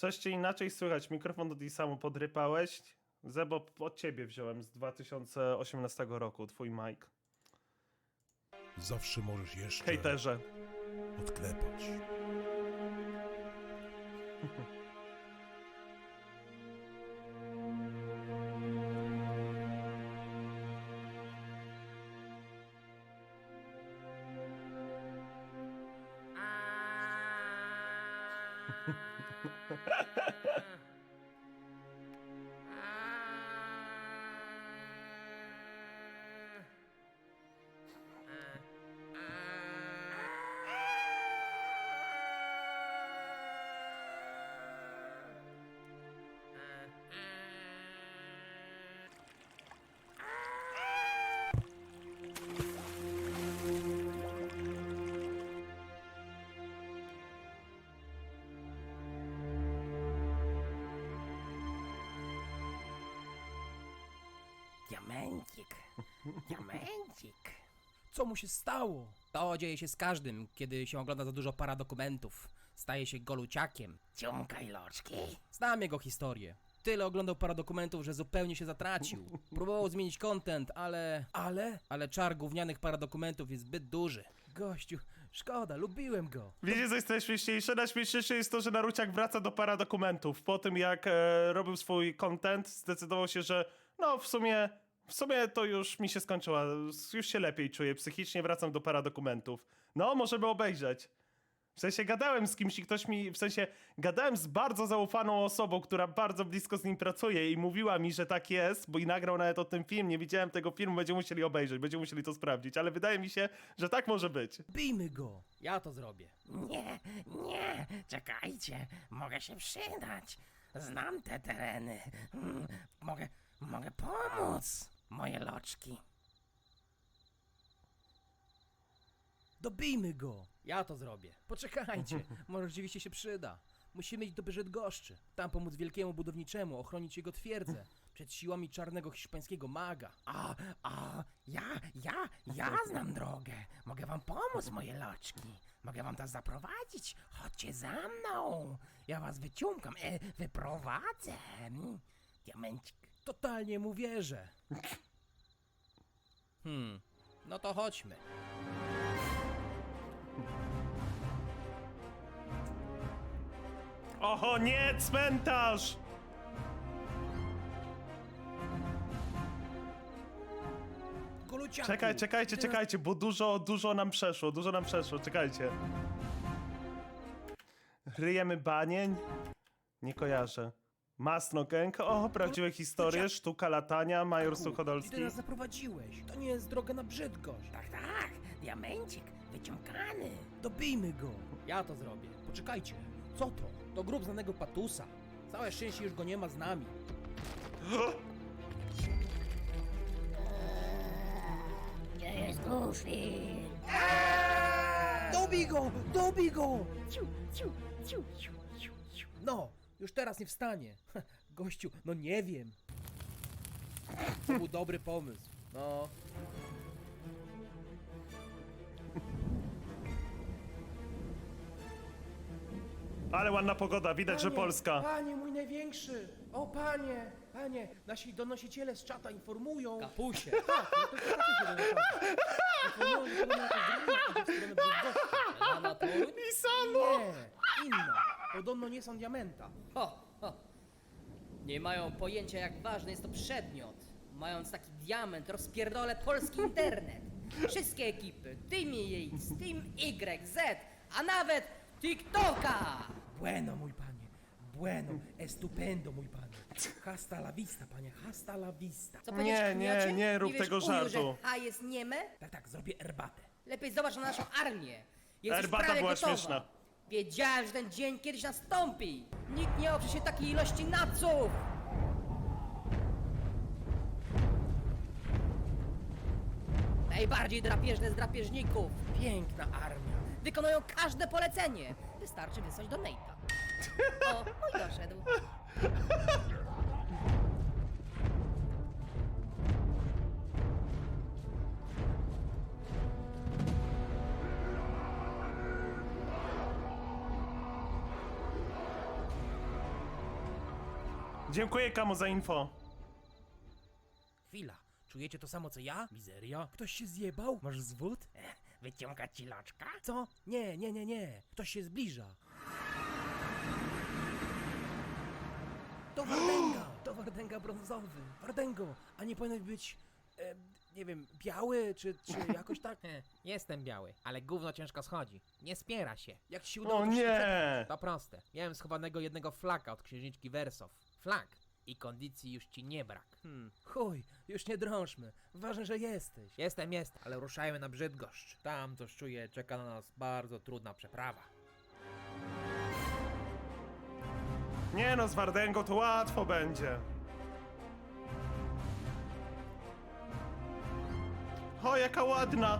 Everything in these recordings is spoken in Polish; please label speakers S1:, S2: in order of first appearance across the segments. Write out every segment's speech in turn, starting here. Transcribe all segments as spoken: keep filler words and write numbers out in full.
S1: Coś cię inaczej słychać, mikrofon do tej samo podrypałeś. Zebo, od ciebie wziąłem z dwa tysiące osiemnastego roku, twój mic.
S2: Zawsze możesz jeszcze
S1: Hejterze.
S2: odklepać.
S3: Diamencik, diamencik.
S4: Co mu się stało? To dzieje się z każdym, kiedy się ogląda za dużo paradokumentów. Staje się goluciakiem.
S3: Ciąkaj loczki.
S4: Znam jego historię. Tyle oglądał paradokumentów, że zupełnie się zatracił. Próbował zmienić content, ale... Ale? Ale czar gównianych paradokumentów jest zbyt duży. Gościu, szkoda, lubiłem go.
S1: Wiecie, co jest najśmieszniejsze? Najśmieszniejsze jest to, że Naruciak wraca do paradokumentów. Po tym, jak e, robił swój content, zdecydował się, że no w sumie, w sumie to już mi się skończyła. Już się lepiej czuję psychicznie, wracam do paradokumentów. No, możemy obejrzeć. W sensie gadałem z kimś i ktoś mi, w sensie gadałem z bardzo zaufaną osobą, która bardzo blisko z nim pracuje i mówiła mi, że tak jest, bo i nagrał nawet o tym film, nie widziałem tego filmu, będziemy musieli obejrzeć, będziemy musieli to sprawdzić, ale wydaje mi się, że tak może być.
S4: Bijmy go. Ja to zrobię.
S3: Nie, nie, czekajcie, mogę się przydać. Znam te tereny. Mm, Mogę, mogę pomóc, moje loczki.
S4: Dobijmy go. Ja to zrobię. Poczekajcie, może rzeczywiście się przyda. Musimy iść do Bydgoszczy. Tam pomóc wielkiemu budowniczemu, ochronić jego twierdzę przed siłami czarnego hiszpańskiego maga.
S3: A, a, ja, ja, ja znam drogę. Mogę wam pomóc, moje loczki. Mogę wam tam zaprowadzić. Chodźcie za mną. Ja was wyciągam, e, wyprowadzę. Mm, Diamencik.
S4: Totalnie mu wierzę. Hmm, no to chodźmy.
S1: Oho, nie, cmentarz!
S4: Goluciaku.
S1: Czekaj, czekajcie,
S4: ty nas-
S1: czekajcie, bo dużo, dużo nam przeszło, dużo nam przeszło, czekajcie. Ryjemy banień? Nie kojarzę. Masno Gang, o, prawdziwe historie, sztuka latania, Major
S4: Ty
S1: Suchodolski.
S4: nas zaprowadziłeś. To nie jest droga na Brzydgoszcz.
S3: Tak, tak, diamencik, wyciągany.
S4: Dobijmy go. Ja to zrobię. Poczekajcie. Co to? To grób znanego Patusa. Całe szczęście już go nie ma z nami.
S3: Gdzie jest Goofy?
S4: Dobij go! Dobij go!
S3: Ciu, ciu, ciu, ciu, ciu, ciu.
S4: No, już teraz nie wstanie. Gościu, no nie wiem. To był dobry pomysł. No.
S1: Ale ładna pogoda, widać, że Polska.
S4: Panie mój największy! O panie! Panie! Nasi donosiciele z czata informują... Kapusie! Tak, no to kapusie się donoszą. Informują, że podobno jakaś drużyna idzie w stronę Brzydgoszczy. Lana Toruń?
S1: I samo!
S4: Nie, inna. Podobno nie są diamenta.
S5: Ho, ho. Nie mają pojęcia, jak ważny jest to przedmiot. Mając taki diament, rozpierdolę polski internet. Wszystkie ekipy, Team X, Team Y, Z, a nawet TikToka!
S4: Bueno, mój panie. Bueno, estupendo, mój panie. Hasta la vista, panie, hasta la vista.
S5: Co powiedzieć,
S1: Nie, nie,
S5: kniocie?
S1: nie rób
S5: wiesz,
S1: tego
S5: uju,
S1: żartu.
S5: że H jest nieme?
S4: Tak, tak, zrobię herbatę.
S5: Lepiej zobacz na naszą armię. Jest już
S1: Herbata
S5: prawie
S1: była
S5: gotowa.
S1: śmieszna.
S5: Wiedziałem, że ten dzień kiedyś nastąpi. Nikt nie oprze się takiej ilości naców. Najbardziej drapieżne z drapieżników.
S4: Piękna armia.
S5: Wykonują każde polecenie. Wystarczy wysłać do Nate'a. O, mój doszedł.
S1: Dziękuję Kamu za info.
S4: Chwila, czujecie to samo co ja? Mizeria? Ktoś się zjebał? Masz zwód?
S3: Wyciągać ci loczka?
S4: Co? Nie, nie, nie, nie. Ktoś się zbliża. To Wardęga! To Wardęga brązowy. Wardęgo, a nie powinien być, e, nie wiem, biały, czy, czy jakoś tak?
S6: Jestem biały, ale gówno ciężko schodzi. Nie spiera się.
S4: Jak ci się udało,
S1: O
S4: to się
S1: nie!
S6: To proste. Miałem schowanego jednego flaka od księżniczki Wersow. Flak. I kondycji już ci nie brak.
S4: Hmm, chuj, już nie drążmy. Ważne, że jesteś.
S6: Jestem, jest, ale ruszajmy na Brzydgoszcz. Tam, coś czuję, czeka na nas bardzo trudna przeprawa.
S1: Nie no, z Wardęgą to łatwo będzie. O, jaka ładna!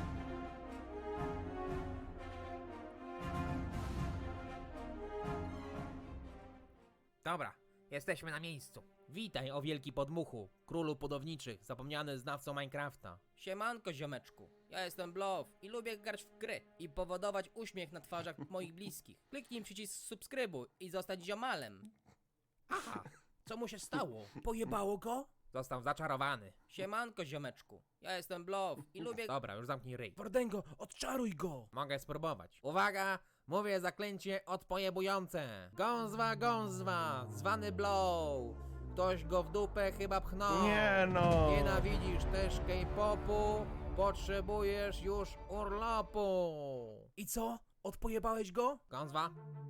S6: Dobra, jesteśmy na miejscu. Witaj, o wielki podmuchu, królu budowniczych, zapomniany znawcą Minecrafta.
S5: Siemanko, ziomeczku. Ja jestem Blow i lubię grać w gry i powodować uśmiech na twarzach moich bliskich. Kliknij przycisk subskrybuj i zostać ziomalem.
S4: Aha, co mu się stało? Pojebało go?
S6: Został zaczarowany.
S5: Siemanko, ziomeczku. Ja jestem Blow i lubię...
S6: Dobra, już zamknij ryj.
S4: Wardęgo, odczaruj go!
S6: Mogę spróbować. Uwaga! Mówię zaklęcie odpojebujące. Gązwa, gązwa, zwany Blow. Ktoś go w dupę chyba pchnął.
S1: Nie no!
S6: Nienawidzisz też K-popu, potrzebujesz już urlopu.
S4: I co? Odpojebałeś go?
S6: Gązwa?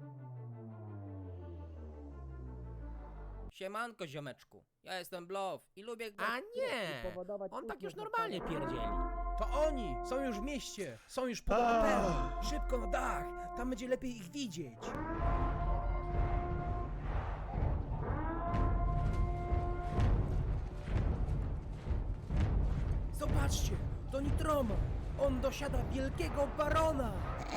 S5: Siemanko, ziomeczku. Ja jestem Blow i lubię... grać
S6: A
S5: w gry
S6: nie!
S5: i powodować
S6: On tak
S5: uśmiech
S6: już
S5: na
S6: normalnie
S5: twarzach-
S6: pierdzieli.
S4: To oni! Są już w mieście! Są już pod
S1: Ah.
S4: operą! Szybko na dach! Tam będzie lepiej ich widzieć! Zobaczcie! To Nitroma! On dosiada wielkiego barona!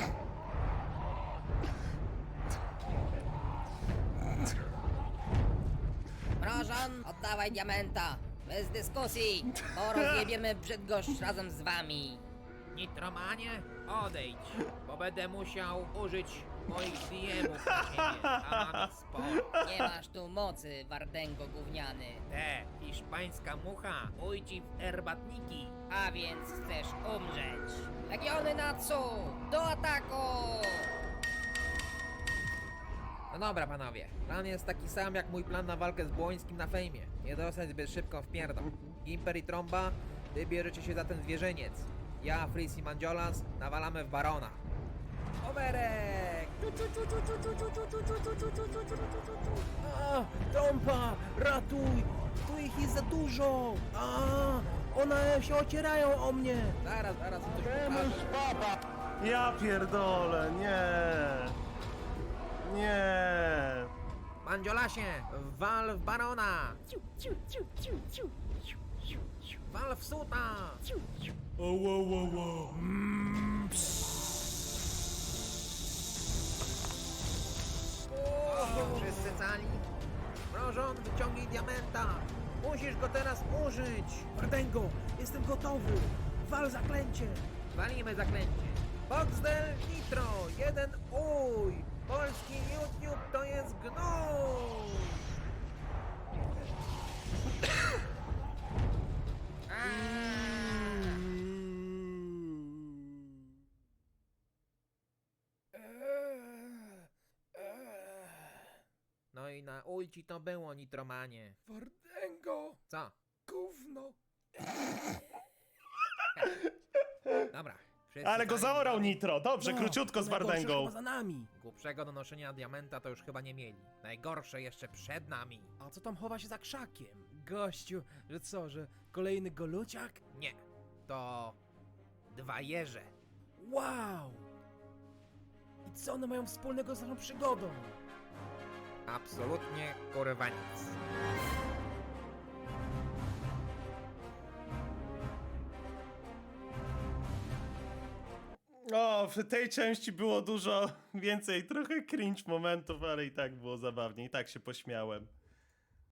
S5: Mrożon, oddawaj diamenta! Bez dyskusji, bo rozjebiemy Brzydgoszcz razem z wami.
S6: Nitromanie, odejdź, bo będę musiał użyć moich D M-ów na ciebie, a mam ich sporo.
S5: Nie masz tu mocy, Wardęgo gówniany.
S6: Te, hiszpańska mucha, ujci w herbatniki.
S5: A więc chcesz umrzeć. Legiony Natsu, do ataku!
S6: No dobra, panowie, plan jest taki sam jak mój plan na walkę z Błońskim na fejmie. Nie dostać zbyt szybko w pierdol. Gimper i Tromba, wy bierzecie się za ten zwierzyniec. Ja, Fris i Mandiolas nawalamy w Barona. Oberek!
S4: A, trąba! Ratuj! Tu ich jest za dużo! A, one się ocierają o mnie!
S6: Zaraz, zaraz coś pokażę.
S1: Ja pierdolę, nie! Nie!
S6: Mandziolasie, wal w Barona! Wal w Suta!
S1: O, wo, wo, wo.
S6: Wszyscy cali? Mrożon, wyciągnij diamenta! Musisz go teraz użyć!
S4: Wardęgo, jestem gotowy! Wal zaklęcie!
S6: Walimy zaklęcie. Boxdel Nitro, jeden uj! Polski YouTube to jest gnój! No i na ujci to było, Nitromanie.
S4: Wardęgo!
S6: Co?
S4: Gówno!
S6: Dobra. wszyscy
S1: Ale go
S6: cali.
S1: zaorał Nitro, dobrze,
S4: No,
S1: króciutko z
S4: najgorsze
S1: Wardęgą.
S4: chyba za nami!
S6: Głupszego do noszenia diamenta to już chyba nie mieli. Najgorsze jeszcze przed nami.
S4: A co tam chowa się za krzakiem? Gościu, że co, że kolejny goluciak?
S6: Nie, to dwa jeże.
S4: Wow! I co one mają wspólnego z naszą przygodą?
S6: Absolutnie kurwa nic.
S1: O, w tej części było dużo więcej, trochę cringe momentów, ale i tak było zabawnie, i tak się pośmiałem.